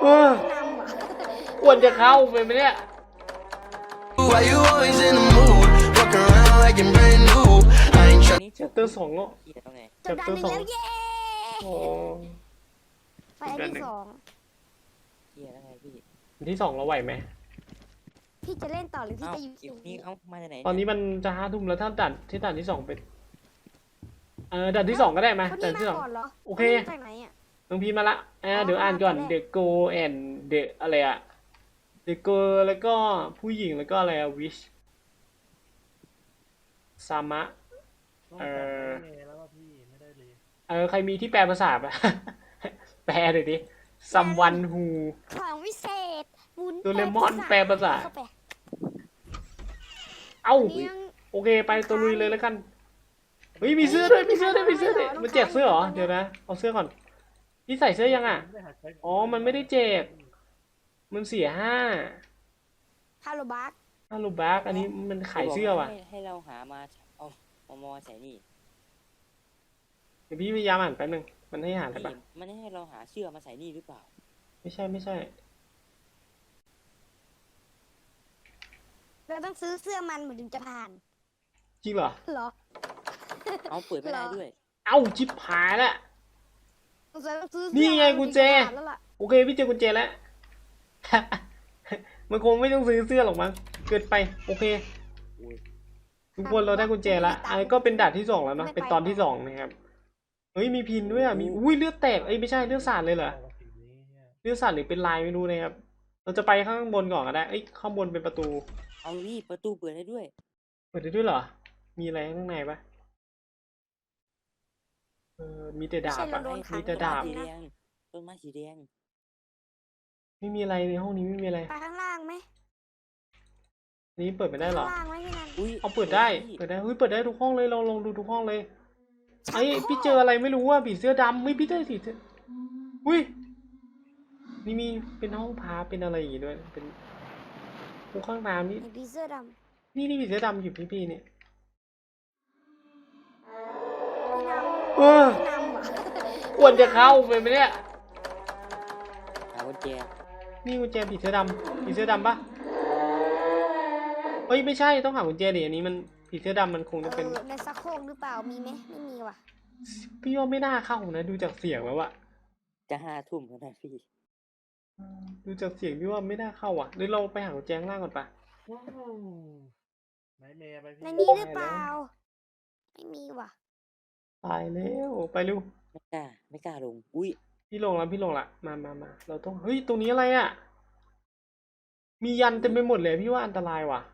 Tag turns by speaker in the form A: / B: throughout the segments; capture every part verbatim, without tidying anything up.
A: เออควรจะเข้าไปไหมเนี่ยแชปเตอร์สองแล้วแชปเตอร์สองโอ้
B: ไฟที่สอง
C: เฮียแล้วไงพี่
A: ที่สองเราไหวไหม
B: พี่จะเล่นต่อหรือพี่จะอยู่
C: นี่เอ้ามาจากไหน
A: ตอนนี้มันจะห้าทุ่มแล้วถ้าด่านที่ด่านที่สองเป็นเออด่านที่สองก็ได้ไหมด่านที่สองโอเคน้องพีมาละเออเดี๋ยวอ่านก่อน The Go and The อะไรอะ The Go แล้วก็ผู้หญิงแล้วก็อะไรอะ Wish ซามะเออเออใครมีที่แปลภาษาปะ แปลหน่อยดิ someone who
B: ของวิเศษ
A: โดเรมอนแปลภาษาเอ้าโอเคไปตัวลุยเลยแล้วกันเฮ้ยมีเสื้อด้วยมีเสื้อด้วยมีเสื้อด้วยมันแจกเสื้อเหรอเดี๋ยวนะเอาเสื้อก่อนพี่ใส่เสื้อยังอ่ะอ๋อมันไม่ได้แจกมันเสียห้า
B: ฮาโลบัก
A: ฮาโลบักอันนี้มันขายเสื้อว่ะ
C: ให้เราหามาเอาเอามาใส่นี่
A: เดี๋ยวพี่พยายามอ่านแป๊บนึงมันให้หาอะไรปะ
C: มันให้เราหาเสื้อมาใส่นี่หรือเปล่า
A: ไม่ใช่ไม่ใช่
B: เราต้องซื้อเสื้อมันเหมือนถึงจะผ่าน
A: จริงเหรอ
B: เหรอ
C: เอาเปิดไม่ได้ด้วย
A: เอ้าจิบหายแล้วนี่ไงกุญแจโอเคพี่เจอกุญแจแล้วมันคงไม่ต้องซื้อเสื้อหรอกมั้งเกิดไปโอเคทุกคนเราได้กุญแจแล้วไอ้ก็เป็นด่านที่สองแล้วเนาะเป็นตอนที่สองนะครับเฮ้ยมีพินด้วยอ่ะมีอุ้ยเลือดแตกเอ้ยไม่ใช่เลือดสาดเลยเหรอเลือดสาดหรือเป็นลายไม่รู้นะครับเราจะไปข้างบนก่อนก็ได้เอ้ยข้างบนเป็นประตู
C: เอาดิประตูเปิดได้ด้วย
A: เปิดได้ด้วยเหรอมีอะไรข้างในปะเออมีแต่ดาบอะมีแต่ดาบ
C: สีแดงต้นไม้สีแดง
A: ไม่มีอะไรในห้องนี้ไม่มีอะไร
B: ไปข้างล่างไหม
A: นี่เปิดไม่ได้หรอ
B: อุ้ย
A: เอาเปิดได้เปิดได้เฮ้ยเปิดได้ทุกห้องเลยเราลองดูทุกห้องเลยไอ้พี่เจออะไรไม่รู้ว่าผีเสื้อดำไม่พี่เจอสีเสื้ออุ้ยนี่มีเป็นห้องพาเป็นอะไรอย่างงี้ด้วยเป็นห้องข้างน้ำนี่
B: ผีเสื้อด
A: ำนี่นี่ผีเสื้อดำอยู่พี่พี่เนี่ยเออควรจะเข้าไปไหมเนี่ย
C: หากุญแจ
A: นี่กุญแจผีเสื้อดำผีเสื้อดำปะเฮ้ยไม่ใช่ต้องหากุญแจดิอันนี้มันผีเสื้อดำมันคงจะเป็น
B: ในซักโครกหรือเปล่ามีไหมไม่มีว่ะ
A: พี่ว่าไม่น่าเข้านะดูจากเสียงแล้วอะ
C: จะห้าทุ่มแล้วนะพี่
A: ดูจากเสียงพี่ว่าไม่น่าเข้าอ่ะหรือเราไปหากุญแจข้างล่างก่อนปะ
B: ในนี้หรือเปล่าไม่มีว่ะ
A: ตายแล้วไปเร็ว
C: ไม่กล้าไม่กล้าลงอุ้ย
A: พี่ลงแล้วพี่ลงละมามามาเราต้องเฮ้ยตรงนี้อะไรอ่ะมียันเต็มไปหมดเลยพี่ว่าอันตรายว่ะ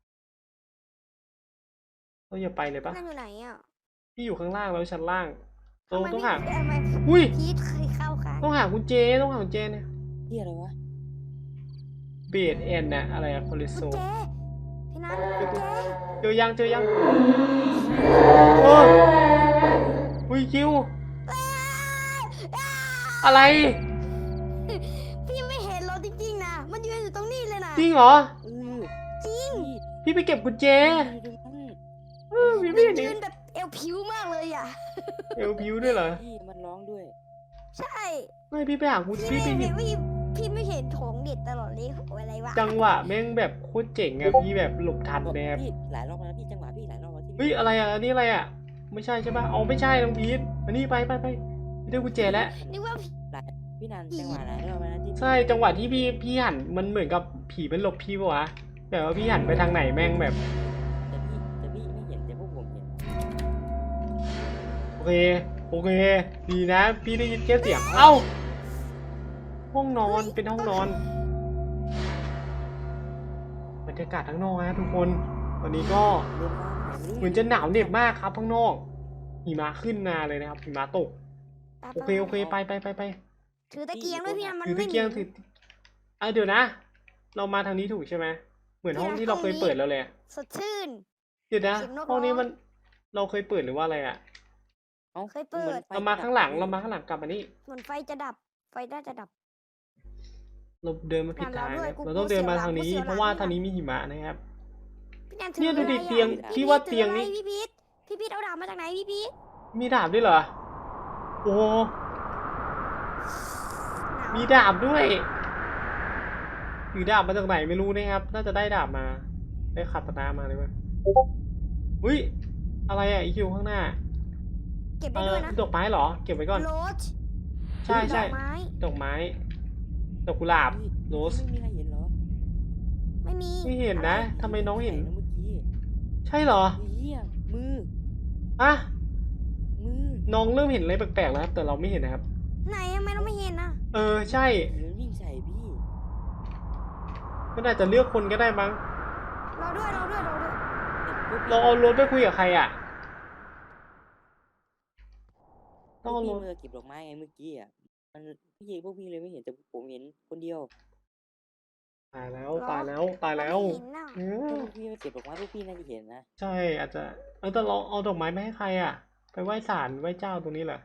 A: เราอย่าไปเลยปะ
B: นั่นอยู่ไหนอ่ะ
A: พี่อยู่ข้างล่างแล้วชั้นล่างเราต้องหา
B: อุ้ยพีทเคยเข้าค่ะ
A: ต้องหากุญแจต้องหากุญแจเนี่ย
C: ที่อะไรวะ
A: เบดแอนนะอะไรอะคอลิโซ
B: พี่นัท
A: เจอยังเจอยังโอ้อุ้ยคิวอะไร
B: พี่ไม่เห็นเราจริงๆนะมันยืนอยู่ตรงนี้เลยนะ
A: จริงเหรอ
B: จริง
A: พี่ไปเก็บกุญแจ
B: พี่ไม่เห็นยืนแบบเอวผิวมากเลยอ่ะ
A: เอวผิวด้วยเหรอ
C: พี่มันร้องด้วย
B: ใช่
A: ไม่พี่ไปหากุญแจพี่ไป
B: เห็นพี่ไม่เห็นของเด็ดตลอดเลยอะไรวะ
A: จังหวะแม่งแบบโคตรเจ๋งอะพี่แบบหลบทันแบบ
C: พี่หลายรอบแล้วพี่จังหวะพี่หลายรอบแล้วที่
A: เฮ้ยอะไรอะอันนี้อะไรอะไม่ใช่ใช่ป่ะอ๋อไม่ใช่น้องพีทมานี่ไปไปไปพี่ได้กุญแจแล้ว
B: นี่ว่า
C: พี่นันจังหวะไหนเราไปนะที่
A: ใช่จังหวะที่พี่พี่หันมันเหมือนกับผีมันหลบพี่ปะวะแบบว่าพี่หันไปทางไหนแม่งแบบ
C: แต่พี่แต่พี่ไม่เห็นแต่พวกผมเห็น
A: โอเคโอเคดีนะพี่ได้ยินแค่เสียงเอ้าห้องนอนเป็นห้องนอนบรรยากาศข้างนอกนะทุกคนวันนี้ก็เหมือนจะหนาวเหน็บมากครับข้างนอกหิมะขึ้นมาเลยนะครับหิมะตกโอเคโอเคไปไปไปไป
B: ถือตะเกียงด้วยพี่นันมัน
A: ถือตะเกียงถืออ่ะเดี๋ยวนะเรามาทางนี้ถูกใช่ไหมเหมือนห้องที่เราเคยเปิดแล้วเลย
B: สดชื่น
A: เดี๋ยวนะห้องนี้มันเราเคยเปิดหรือว่าอะไรอ่ะ
B: เคยเปิด
A: เรามาข้างหลังเรามาข้างหลังกลับมานี่
B: เหมือนไฟจะดับไฟน่าจะดับ
A: เราเดินมาผิดทางเราต้องเดินมาทางนี้เพราะว่าทางนี้มีหิมะนะครับเนี่ยดูดิเตียงพี่ว่าเตียงนี้
B: พี่พีทพี่พีทเอาดาบมาจากไหนพี่พีท
A: มีดาบด้วยเหรอโอ้มีดาบด้วยถือดาบมาจากไหนไม่รู้นะครับ น่าจะได้ดาบมา ได้คาตานามาเลยมั้ยอุ้ยอะไรอ่ะอีคิวข้างหน้า
B: เก็บ
A: เอ
B: ได้
A: อ
B: ด้วยนะ
A: ดอกไม้เหรอ เก็บไว้ก่อน
B: โรส
A: ใช่ใช่
B: ดอกไม้
A: ดอกไม้ ดอกกุหลาบ
C: เฮ้ย
A: โรส
C: ไม่มีใครเห็นเหรอ
B: ไม่มี
A: ไม่เห็นนะ
B: อไร
A: ทำไมน้องเห็น
C: ใส่ะเมื่อกี้
A: ใช่เหรอ
C: เฮียมือ
A: อะ
C: มือ
A: น้องเริ่มเห็นอะไรแปลกๆแล้วครับ แต่เราไม่เห็นนะครับ
B: ไหนทำไมเราไม่เห็นอ่ะ
A: เออใช่
C: เดี๋ยววิ่งใส่พี่
A: ก็น่าจะเลือกคนก็ได้มั้ง
B: เราด้วยเราด้วยเราด้วย
C: แต่พวกพี่
A: เราเอารถไปคุยกับใครอ่ะ ต้องเอาร
C: พี่
A: ถ
C: มือเก็บดอกไม้ไงเมื่อกี้อ่ะ มันพี่พวกพี่เลยไม่เห็นแต่ผมเห็นคนเดียว
A: ตายแล้วตายแล้วตายแล้ว
B: เราไม่เห็นน่ะ
A: เอ
C: ถ้า
A: อ
C: พวกพี่มาเก็บดอกไม้พวกพี่น่าจะเห็นนะ
A: ใช่อาจจะเออแต่เราเอาดอกไม้ไปให้ใครอ่ะ ไปไหว้ศาลไหว้เจ้าตรงนี้เหรอ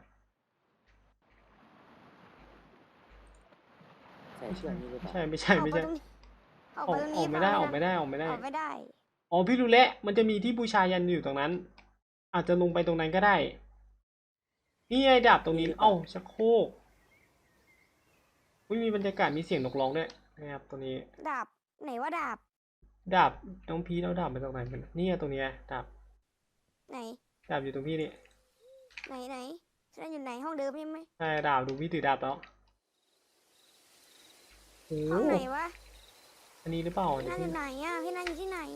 C: ใส่เชือกนี้หรือเปล่า
A: ใช่ไม่ใช่ไม่ใช่
B: ออก
A: อ
B: ไป
A: อก
B: ตรงนี้
A: ออกไม่ได้ออกไม่ได้ออกไม่ได้
B: ออกไม่ได้
A: อ๋อพี่รู้แล้วมันจะมีที่บูชายันอยู่ตรงนั้น อาจจะลงไปตรงนั้นก็ได้ นี่ไอ้ดาบตรงนี้เอ้าชักโครกอุ๊ยมีบรรยากาศมีเสียงนกร้องด้วยนะครับตรงนี้
B: ดาบไหนว่าดาบ
A: ดาบน้องพีเอาดาบมาจากไหนกันนี่ไงตรงเนี้ยดาบ
B: ไหน
A: ดาบอยู่ตรงพี่นี่
B: ไหนไหนฉันอยู่ไหนห้องเดิมใช่ไหม
A: ใช่ดาบดูพี่ถือดาบแล้วโอ้
B: ห้องไหนวะ
A: อันนี้หรือเปล่า
B: พี่
A: เดี๋ย
B: นั
A: วน
B: อ
A: พี่
B: ยู่ไหนอ่ะพี่นันอยู่ที่ไหน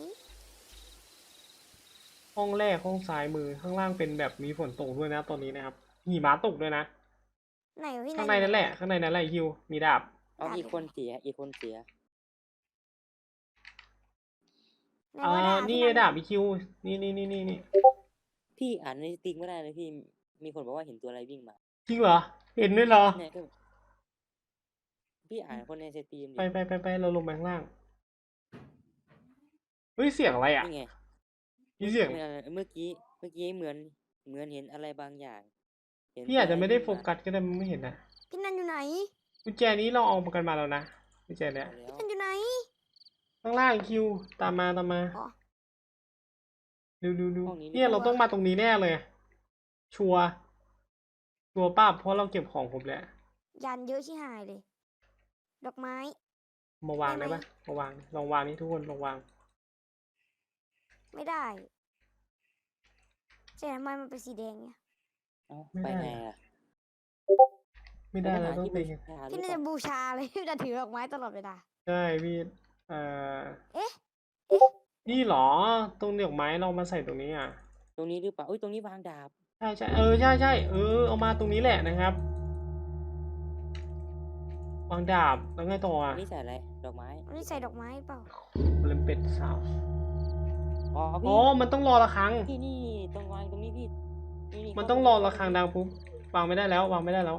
A: ห้องแรกห้องซ้ายมือข้างล่างเป็นแบบมีฝนตกด้วยนะตอนนี้นะครับหิมะตกด้วยนะ
B: ไหนวะพี่นัน
A: ข้างในนั่นแหละข้างในนั่นแหละฮิวมีดาบ
C: เอาอีกคนเสีย อีกคนเสีย
B: ไหน
A: เอ่
B: ว่า
A: อ
B: ดาบ
A: นี่
B: พี่
A: ดาบอีคิวนี่นี่นี่นี่นี่
C: พี่อ่านในสติ๊กไม่ได้เลยพี่ มีคนบอกว่าเห็นตัวอะไรวิ่งมา
A: จริงเหรอเห็นด้วยเหรอ
C: เนี่ยก็พี่อ่านคนในสตรีมดิ
A: ไปไปไปไปเราลงไปข้างล่างเฮ้ยเสียงอะไรอ่ะ
C: นี่ไง
A: มีเสียง
C: เมื่อเมื่อกี้ เมื่อกี้เหมือน เหมือนเห็นอะไรบางอย่างเห็น
A: พี่อาจจะไม่ได้โฟ
C: ตัวอะร
A: กัสก็ได้มันไม่เห็นนะ
B: พี่นันอยู่ไหน
A: กุญแจนี้เราเอามากันมาแล้วนะกุญแจเนี้ย
C: วิ่งมาแล้ว
B: พี่นันอยู่ไหน
A: ข้างล่างคิวตามมาตามมา
B: อ๋อ
A: ดูดูดู
C: ห้องนี้
A: เนี่ยเราต้องมาตรงนี้แน่เลย ชัวร์ชัวร์ป้าเพราะเราเก็บของครบแล้ว
B: ยันเยอะชิหายเลย ดอกไม้
A: มาวาง
B: ได้
A: ได้
B: ไหม
A: ปะมาวางลองวางนี่ทุกคนลองวาง
B: ไม่ได้แต่ทำไมมันเป็นสีแดงเนี่ย
C: เอ้า
A: ไม่
C: ไป
A: ได้
C: ไงอ่ะ
A: ไม่ได้แล้วต้อง
C: ที่
A: ไป
C: บูชาหรื
B: พี่
C: อ
B: น่า
C: เป
B: จะ
C: ล่า
B: บูชาเลย พี่จะถือดอกไม้ตลอดเวลา
A: ใช่พี่เอ่อ
B: เอ๊ะ
A: นี่เหรอตรงดอกไม้เรามาใส่ตรงนี้อ่ะ
C: ตรงนี้หรือเปล่าอุ้ยตรงนี้วางดาบ
A: ใช่ใช่เออใช่ใช่เออเอามาตรงนี้แหละนะครับวางดาบแล้วไงต่อ
C: อั
A: อ่ะ
C: นนี้ใส่อะไร ดอกไม้
B: อันนี้ใส่ดอกไม้เปล่า
A: เลมเป็ดสาว
C: อ๋อ
A: อ๋
C: พี่
A: อมันต้องรอระฆัง
C: พี่นี่ตรงวางตรงนี้พี่นี่นี่
A: มันต้องรอระฆังดังปุ๊บวางไม่ได้แล้ววางไม่ได้แล้ว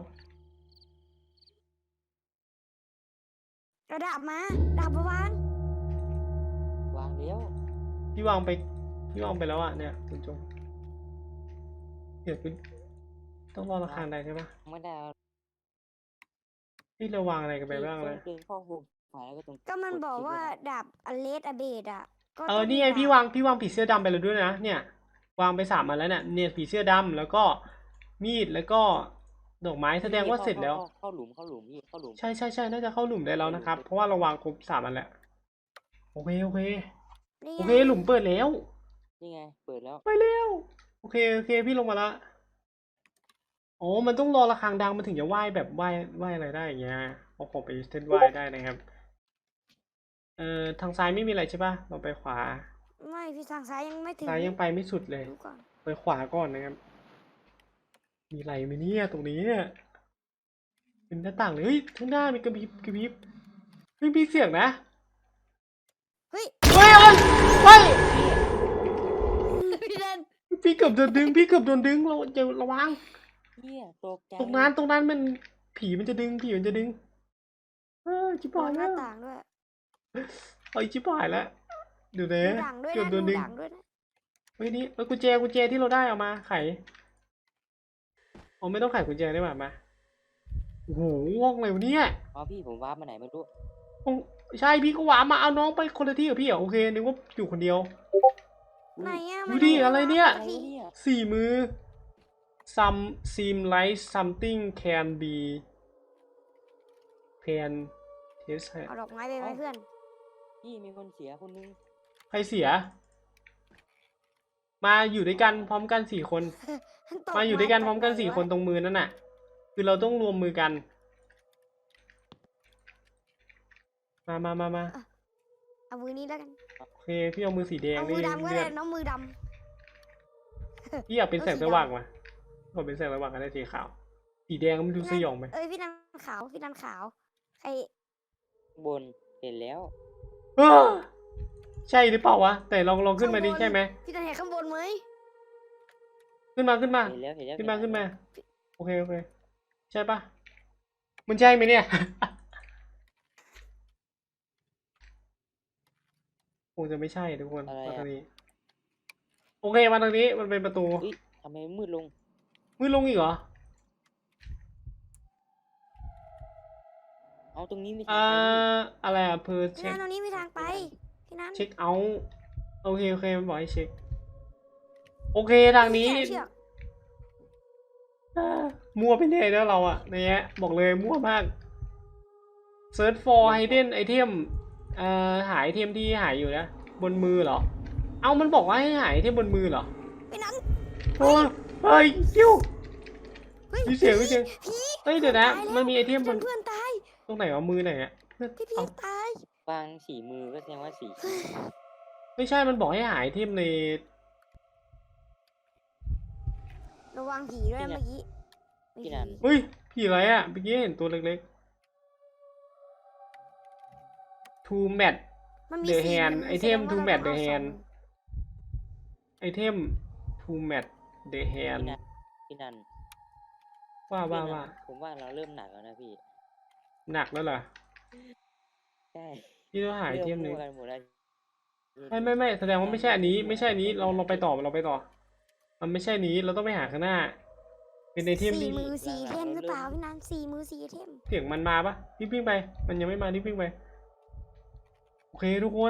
B: กระดาบมา ดาบมาวาง
C: วางแล้ว
A: พี่วางไปพี่วางไปแล้วอ่ะเนี่ยคุณจงเดี๋ยวคุณต้องรอระฆังได้ใช่ปะ
C: ไม่ได้เอา
A: พี่เราวางอะไรกันไป
C: พี่
A: บ้าง
C: ต้
A: เล
C: อย งเดินเข้าหุบฝ่ายแล้วก็ตรง
B: ก็มัน
C: ด
B: บอก
C: คลิป
B: ว่า
C: ด้วยนะ
B: ดาบอเลสอเบดอ่ะ ก็
A: เออ
B: ต้
A: นี่ไง
B: มี
A: พี่
B: ดาบ
A: วางพี่วางผีเสื้อดำไปแล้วด้วยนะเนี่ย วางไปสามอันแล้วเนี่ยเนี่ยผีเสื้อดำแล้วก็มีดแล้วก็ดอกไม้แสดงว่าเสร็จแล้ว
C: ข้าเข้าหลุมเข้าหลุมพี่เข้าหลุม
A: ใช่ใช่ใช่น่าจะเข้าหลุมได้แล้วนะครับ เพราะว่าเราวางครบสามอันแล้วโอเคโอเค
B: นี่ไง
A: โอเคหลุมเปิดแล้ว
C: นี่ไง เปิดแล้ว
A: ไปเร็วโอเคโอเคพี่ลงมาละอ๋อมันต้องรอระฆังดังมันถึงจะไหว้แบบไหว้ไหว้อะไรได้อย่างเงี้ยเอาของไปเส้นไหว้ได้นะครับเอ่อทางซ้ายไม่มีอะไรใช่ปะเราไปขวา
B: ไม่พี่ทางซ้ายยังไม่ถึง
A: ซ้ายยังไปไม่สุดเลย
B: ดูก่อน
A: ไปขวาก่อนนะครับ มีอะไรไหมเนี่ยตรงนี้เนี่ยเป็นหน้าต่างเลยเฮ้ยข้างหน้ามีกระพริบกระพริบเฮ้ยมีเสียงนะ
B: เฮ้ย
A: เฮ้ยเฮ้ยเฮ้ย
B: พี่เดิน
A: พี่เกือบโดนดึงพี่เกือบโดนดึงเราจะระวัง
C: เฮียตกใจ
A: ตรงนั้นตรงนั้นมันผีมันจะดึงผีมันจะดึงเออชิบ
B: มอ
A: หาง ย
B: ห
A: แล้
B: น้าว ต่างด้วย
A: เอ้ยชิบหายแล้วเดี๋ยว
B: ดู
A: นะ
B: ดังด้วย
A: เกือบ
B: นะ
A: โด
B: ดู
A: นดึง
B: ดังด้วยนะ
A: เฮ้ยนี่เอ้ยกุญแจกุญแจที่เราได้เอามาไขอ๋อไม่ต้องไขกุญแจได้ป่ะมาโอ้โหห้องอะไรวะเนี่ย
C: อ๋อพี่ผมวาร์ปมาไหนไม่รู้
A: ห้องใช่พี่ก็หวามาเอาน้องไปคนละที่กับพี่เหรอโอเคนึกว่าอยู่คนเดียว
B: ไหนอ่ะ
A: ดูดิอะไรเนี่ย
C: อะไรวะเนี่ย
A: สี่มือ some seem like something can be can เทสให้
B: เอาดอกไม้ไปไหมเพื่อน
C: พี่มีคนเสียคนนึง
A: ใครเสีย มาอยู่ด้วยกันพร้อมกันสี่คน
B: ต
A: มาอยู่ด้วยกันพร้อมกัน
B: ตไห
A: สี่
B: วะ
A: คนตรงมือนั่นน่ะ คือเราต้องรวมมือกัน มามามามา
B: เอามือนี้แล้วกัน
A: โอเค พี่เอามือสีแดง
B: เอามื
A: นี่
B: อดำก็
A: เลือ
B: ได้
A: ด
B: น้องมือด
A: พี่อยากเป็นแสง
B: เอาสี
A: ส
B: ดำ
A: ว่างมาขอเป็นแสงสว่างกันได้สีขาว สีแดงมันดูสยองไหม
B: ำเอ้ยพี่นันขาวพี่นันขาวใคร
C: บนเห็นแล้ว
A: เออใช่หรือเปล่าวะ แต่ลองลองขึ้นมาดิ
B: ข้งบ
A: ใช่ไหม
B: พี่นันเห็นข้างบนไหม
A: ขึ้นมาขึ้นมา
C: เห็นแล้วเห็นแล้ว
A: ขึ้นมา
C: เห็
A: ขึ้น
C: แล้ว
A: มา โอเคโอเค ใช่ปะมันใช่ไหมเนี่ย คงจะไม่ใช่ทุกคนมาทางนี้ โอเคมาทางนี้มันเป็นประตู
C: เฮ้ยทำไมมืดลง
A: มืดลงอีกเหรอ
C: เอาตรงนี้ไม่ใช่
A: อ่าอะไรอ่ะเพอ
B: พี่
A: เช็
B: นั
A: คน
B: ตรงนี้มีทางไปพี่นัน
A: เช็คเอาท์โอเคโอเคมันบอกให้เช็ค โอเคทางนี้
B: แขเชือก
A: อ่ามั่วไปเลยแล้วเราอะในเนี้ยบอกเลยมั่วมาก search for hidden item เอ่อหาไอเทมที่หายอยู่นะ บนมือเหรอ เอามันบอกว่าให้หาไอเทมบนมือเหรอ
B: พี่นัน
A: โอ้ยเฮ้ยกิ้ว
B: เฮ้ย
A: มีเสียงมีเสียง
B: ผี
A: เฮ้ยเดี๋ยวนะ
B: ตาแล้ว
A: มันมีไอเทมบ
B: เพื่อน
A: น
B: เพื่อนตาย
A: ตรงไหนวะมือไหนอะเพื่อน
B: พี่พี
A: เอา
B: ตาย
C: วางสีมือก็แสดงว่าสี
A: ไม่ใช่มันบอกให้หาไอเทมใน
B: ระวังผีด้วยนะเมื่อกี้มี
C: พี่นัน
B: ผี
A: เฮ้ยผีอะไรอะเมื่อกี้เห็นตัวเล็กๆ to match
B: มันมี
A: The
B: สี่
A: hand
B: มื
A: ไอเทม
B: แสดง
A: to
B: ว่า
A: match
B: รา
A: the
B: ต้องเอา
A: hand
B: สอง
A: ไอเทม to match the
C: พี่
A: hand
C: นันพี่นัน
A: ว่าว่า
C: พี่นัน
A: ว่า
C: ผมว่าเราเริ่มหนักแล้วนะพี่
A: หนักแล้วเหรอ
C: ใช่
A: พี่ต้องหาไอเทมหนึ่ง
C: ริ่วกันหมดแล้ว
A: ไม่ไม่ไม่แสดงว่าไม่ใช่อันนี้ ไม่ใช่อันนี้เราเราไปต่อเราไปต่อ มันไม่ใช่อันนี้เราต้องไปหาข้างหน้า เป็นไอเทม
B: สี่
A: ที่
B: มือสี่เทมหรือเปล่าพี่นันสี่มือสี่เทม
A: เสียงมันมาปะรีบวิ่งไป มันยังไม่มารีบวิ่งไป โอเคทุกคน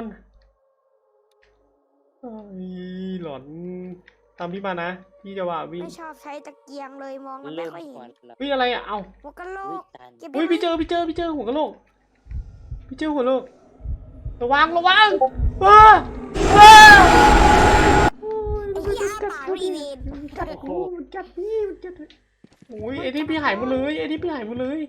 A: เอ้ยหลอนตามพี่มานะพี่จะว่าวิ่ง
B: ไม่ชอบใช้ตะเกียงเลยมองมันไม่
C: เริ่ม
B: ค่อยเห็
C: ก่อน
B: น
C: แล้ว
A: วิ่งอะไรอ่ะ เอา
B: หัวกะโหล
C: อุ๊ย
B: ก
C: ตัน
B: เก็บ
A: อุ้ย
B: ได้ไหม
A: พี่เจอพี่เจอพี่เจอหัวกะโหลกพี่เจอหัวกะโหลกระวังระวังอ้าอ้าโอ้ย
B: ไอ้
A: มัน
B: ที่
A: กั
B: อ้า
A: ด
B: ปากรีเวน
A: มันกัดโอ้มันกัดพี่มันกัดโอ้ยไอ้ที่พี่หายหมดเลยไอ้ที่พี่หายหมดเลย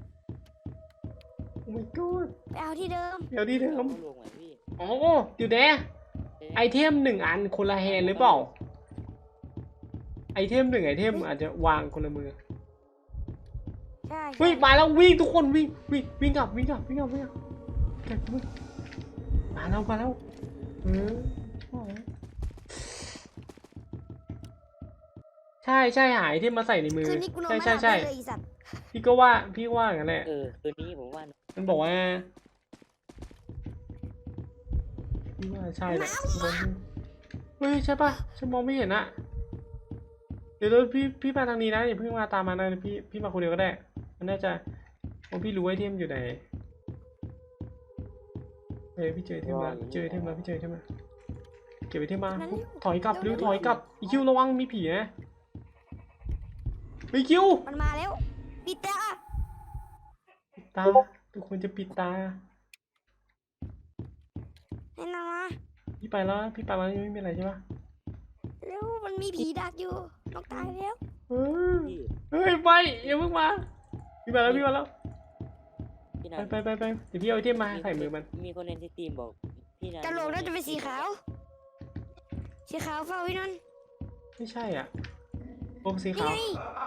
A: โอ้ my god
B: ไปเอาที่เดิม
A: เดี๋ยวดีเดิม
C: เอาลงไหมพี่
A: อ๋อเดี๋ยวเด้ไอเทมหนึ่งอันคนละแฮนด์หรือเปล่าไอเทมหนึ่งไอเทมอาจจะวางคนละมือ
B: ใช่
A: เฮ้ยมาแล้ววิ่งทุกคนวิ่งวิ่งวิ่งกลับวิ่งกลับวิ่งกลับวิ่งกลับเก็บมือมาแล้วมาแล้วเออใช่ใช่หายที่มาใส่ในมือ
B: คืนนี้กูนอน
A: ใช่
B: ไม่ห
A: ใช่
B: ลับ
A: ใช่
B: เลยไอีสัตว์
A: พี่ก็ว่าพี่ว่าอย่างนั้นแหละ
C: เออคืนนี้ผมว่า
A: มันบอกว่าพี่ว่าใช่แหละเฮ้ยใช่ปะฉันมองไม่เห็นอะเดี๋ยวเดี๋ยวพี่พี่มาทางนี้นะอย่าเพิ่งมาตามมานะพี่พี่มาคนเดียวก็ได้ มันน่าจะเพราะพี่รู้ไอเทมอยู่ไหนเฮ้ยพี่เจอไอเทมมาพี่เจอไอเทมมาพี่เจอไอเทมมาเก็บไอเทมมาถอยกลับเร็วถอยกลับอีคิวระวังมีผีนะอีคิว
B: มันมาแล้วปิดตา
A: ปิดตาทุกคนจะปิดตา
B: ให้นอนมา
A: พี่ไปแล้วพี่ไปแล้วยังไม่มีอะไรใช่ปะ
B: เร็วมันมีผีดักอยู่นกตายแล้ว
A: เออ
C: พี่
A: เฮ้ยไปอย่าเพิ่งมาพี่มาแล้วพี่มาแล้ว
C: พี่นั
A: ไป
C: น
A: ไปไปไปเดี๋ยวพี่เอาไอเทมมาใส่มือมัน
C: มีคนในสตรีมบอกพี่นัน
B: กระโหลกน่าจะเป็นสีขาว สีขาวเฝ้าพี่นัน
A: ไม่ใช่อ่ะโอ้สี
B: นี่
A: ขาว
B: ไง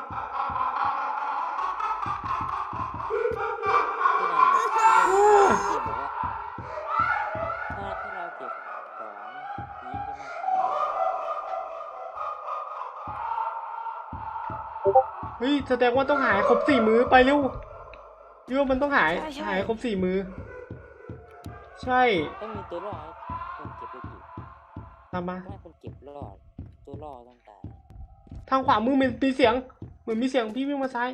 C: พี่นันพี่นันสตรีมบอกว่าถ้าถ้าเราเก็บของยิงจะมาหา
A: เฮ้ยแสดงว่าต้องหายครบสี่มือไปเร็วยูมันต้องหายหายครบสี่มือ ใช่
C: ต้องมีตัวรอดคนเก็บไปกี่
A: ตามมา
C: ถ้าคนเก็บรอดตัวรอดต้องตาย
A: ทางขวามือมันมีเสียงเหมือนมีเสียงพี่วิ่งมาซ้าย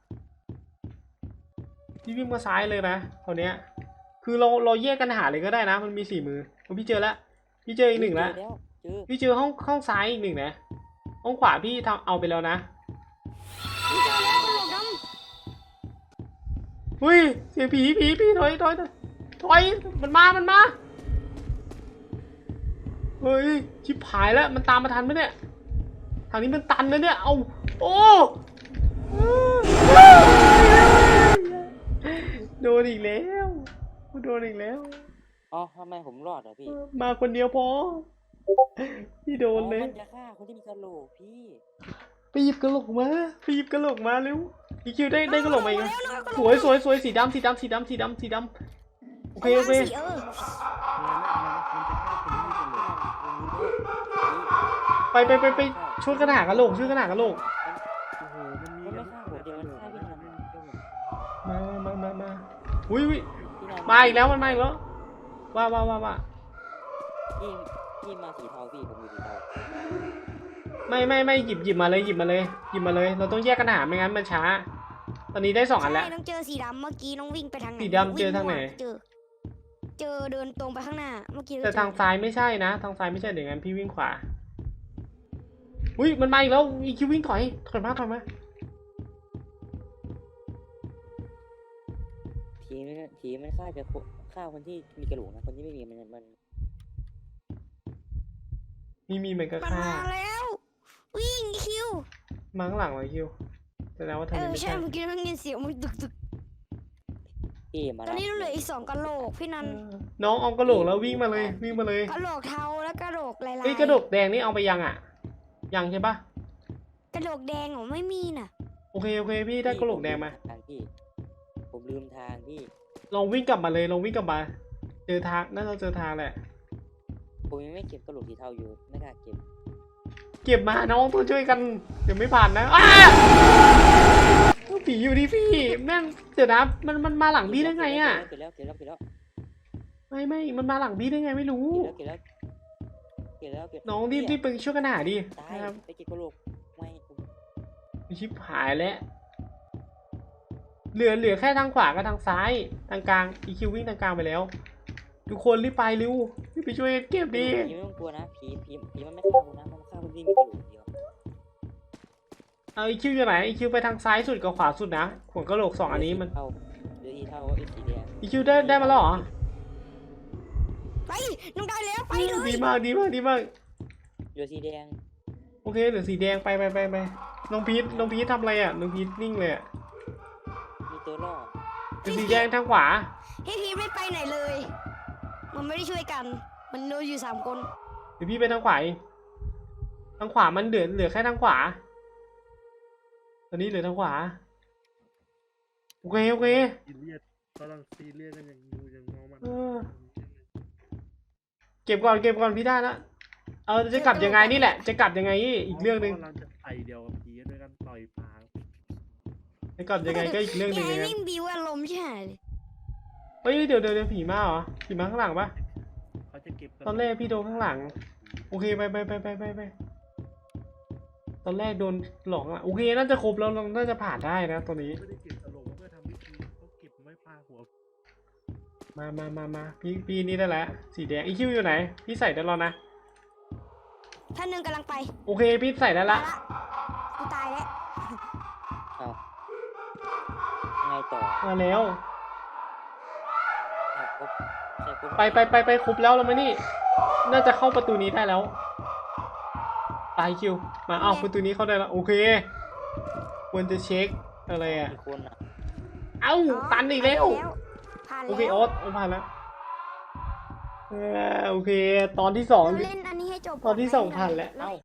A: พี่วิ่งมาซ้ายเลยนะตอนเนี้ยคือเราเราแยกกันหาเลยก็ได้นะ มันมีสี่มือพี่เจอแล้วพี่เจออีกหนึ่งแล้ว
C: เจอเจอ
A: พี่เจอห้องห้องซ้ายอีกหนึ่งนะห้องขวาพี่ทำเอาไปแล้วนะ
B: พี่เจอแล้วกระโหลกด
A: อุ้ยเสียงผีผีผีถอยถอยถอยถอยมันมามันมาเฮ้ยชิบหายแล้วมันตามมาทันไหมเนี่ยทางนี้มันตันแล้วเนี่ยเอาโอ้โดนอีกแล้วโดนอีกแล้ว
C: อ๋อทำไมผมรอดอ่ะพี่
A: มาคนเดียวพอพี่โดนเลย
C: อ๋อมันจะฆ่าคนที่มีกระโหลกพี่
A: ไปหยิบกระโหลกมาไปหยิบกระโหลกมาเร็วอีคิวได้ได้กระโหลกมาอีกแล้วสวยสวยสวยสีดำสีดำสีดำสีดำสีดำโอเคโอเค
B: สีเออ
A: ไปไปไปไปช่วยกันหากระโหลกช่วยกันหากระโหลก
D: โอ้โหมันมี
C: มันไม่ฆ่าผมเดียวมันฆ่าพี่นัน
A: มามามามาอุ้ยอุ้ย
C: พี่นัน
A: มาอีกแล้วมันมาอีกแล้วว่าว่าว่าว่า
C: พี่พี่มาสีเทาพี่ผมอยู่สีเทา
A: ไม่ไม่ไม่หยิบหยิบมาเลยหยิบมาเลยหยิบมาเลยเราต้องแยกกันหาไม่งั้นมันช้า ตอนนี้ได้สองอันแล้ว
B: ใช่น้องเจอสีดำเมื่อกี้น้องวิ่งไปทางไหน
A: สีดำเจอทางไหน
B: เจอ เจอเดินตรงไปข้างหน้าเมื่อกี้
A: แต่ทางซ้ายไม่ใช่นะทางซ้ายไม่ใช่เดี๋ยวงั้นพี่วิ่งขวาอุ้ยมันมาอีกแล้วอีคิววิ่งถอยถอยมาถอยมา
C: ผีมันผีมันฆ่าจะฆ่าคนที่มีกระโหลกนะคนที่ไม่มีมันมัน
A: มีมีเหมือนกับ
B: มัน
A: ฆ่า
B: มาแล้ว วิ่งคิว
A: มาข้างหลังเลยคิวแสดงว่าทาง
B: เอ
A: นี้
B: อ
A: ไม่
B: ใช่
A: ใช่
B: เมื่อกี้น้องยินเสียงมันตึกตึก
C: พี่มา
B: ตอนนี้เราเหลืออีกสองกะโหลกพี่นัน
A: เออน้องเอากระโหลกแล้ววิ่งมาเลยวิ่งมาเลย
B: กะโหลกเทาและกะโหลกลายๆ
A: เอ้ยกระโหลกแดงนี่เอาไปยังอ่ะยังใช่ปะ
B: กระโหลกแดงเหรอไม่มีน่ะ
A: โอเคโอเคพี่ได้กระโหลกแดงมา
C: ทางพี่ผมลืมทางพี่
A: ลองวิ่งกลับมาเลยลองวิ่งกลับมา เจอทางน่าจะเจอทางแหละ
C: ผมยังไม่เก็บกระโหลกสีเทาอยู่ไม่กล้าเก็บ
A: เก็บมาน้องต้องช่วยกันเดี๋ยวไม่ผ่านนะอ้าผีอยู่ที่พี่แม่งเดี๋ยวนะมันมันมาหลังพี่ได้ไงอ่ะ
C: เก็บแล้วเก็บแล้วเก็บแล้ว
A: ไม่ไม่มันมาหลังพี่ได้ไงไม่รู้
C: เก็บแล้วเก็บแล้วเก็บแล้ว
A: น้องรีบรีบไปช่วยกันหาดิ
C: ตาย
A: นะครับ
C: ไปเก็บกระโหลกไม่ผม
A: ชิบหายแล้วเหลือเหลือแค่ทางขวากับทางซ้ายทางกลางอีคิววิ่งทางกลางไปแล้ว ทุกคนรีบไปเร็วรีบไปช่วยเก็บดิ
C: ผีไม่ต้องกลัวนะผีผีผีมันไม่ฆ่าคุณนะมันฆ่าคนที่มีกระโหลกเดียว
A: เอาอีคิวอยู่ไหนอีคิวไปทางซ้ายสุดกับขวาสุดนะขวงกระโหลกสองอันนี้มัน
C: เท่าหรืออีเท่าไอ้สีแดง
A: อีคิวได้ได้มาแล้วเหรอ
B: ไปน้องได้แล้วไปเลย
A: ดีมากดีมากดีมาก
C: เหลือสีแดง
A: โอเคเหลือสีแดงไปไปไปไปน้องพีทน้องพีททำอะไรอ่ะน้องพีทนิ่งเลยอ่ะ
C: มีตัวล่อ
A: เหลือสีแดงทางขวา
B: พี่พีไม่ไปไหนเลย มันไม่ได้ช่วยกัน มันโดนอยู่สามคน
A: เดี๋ยวพี่ไปทางขวาเองทางขวามันเหลือเหลือแค่ทางขวาตอนนี้เหลือทางขวาโอเคโอเค
D: ซีเรียสกำลังซีเรียสกันอย่างดูอย่างมองมัน
A: เออ เก็บก่อนเก็บก่อนพี่ได้ละเออจะกลับยังไงนี่แหละจะกลับยังไงนี่อีกเรื่องหนึ่ง
D: เราจะไปเดียวกับพีด้วยกันต่อยปาง
A: จะกลับยังไงก็อีกเรื่องหนึ่ง
B: นี่
A: นะ
B: วิ่งบิวอารมณ์ใช่ไหม
A: เฮ้ยเดี๋ยวเดี๋ยวเดี๋ยวผีมาเหรอผีมาข้างหลังปะ
D: เขาจะเก็บ
A: ตอนแรกพี่โดนข้างหลังโอเคไปไปไปไปไปไปตอนแรกโดนหลอกอะโอเคน่าจะครบแล้วเราน่าจะผ่านได้นะตอนนี้
D: ไม่ได้เก็บตลกเพื่อทำพิธีเขาเก็บไว้ปาหัว
A: มามามามาพี่พี่นี่ได้แล้วสีแดงอีคิวอยู่ไหนพี่ใส่ได้แล้วนะ
B: ท่านหนึ่งกำลังไป
A: โอเคพี่ใส่ได้ละ
B: กูตายแล้ว
C: เอาไงต่อ
A: มาแล้ว
C: ใช่ครบใช่ครบ
A: ไปไปไปไปครบแล้วเราไหมนี่ น่าจะเข้าประตูนี้ได้แล้วไปคิวมาเอาประตูนี้เข้าได้แล้วโอเคควรจะเช็คอะไรอ่ะ
C: มีคนอ่ะ
A: เอ้าตันอีกแล้ว
B: ผ่าน
A: โอ
B: แล้ว
A: เคโอ๊ตเอาผ่านแล้วเออโอเค ตอนที่สอง
B: เราเล่นอันนี้ให้จบ
A: ตอนที่สอง
B: ก่ะ
A: ผ่านแล้ว
B: เอ้า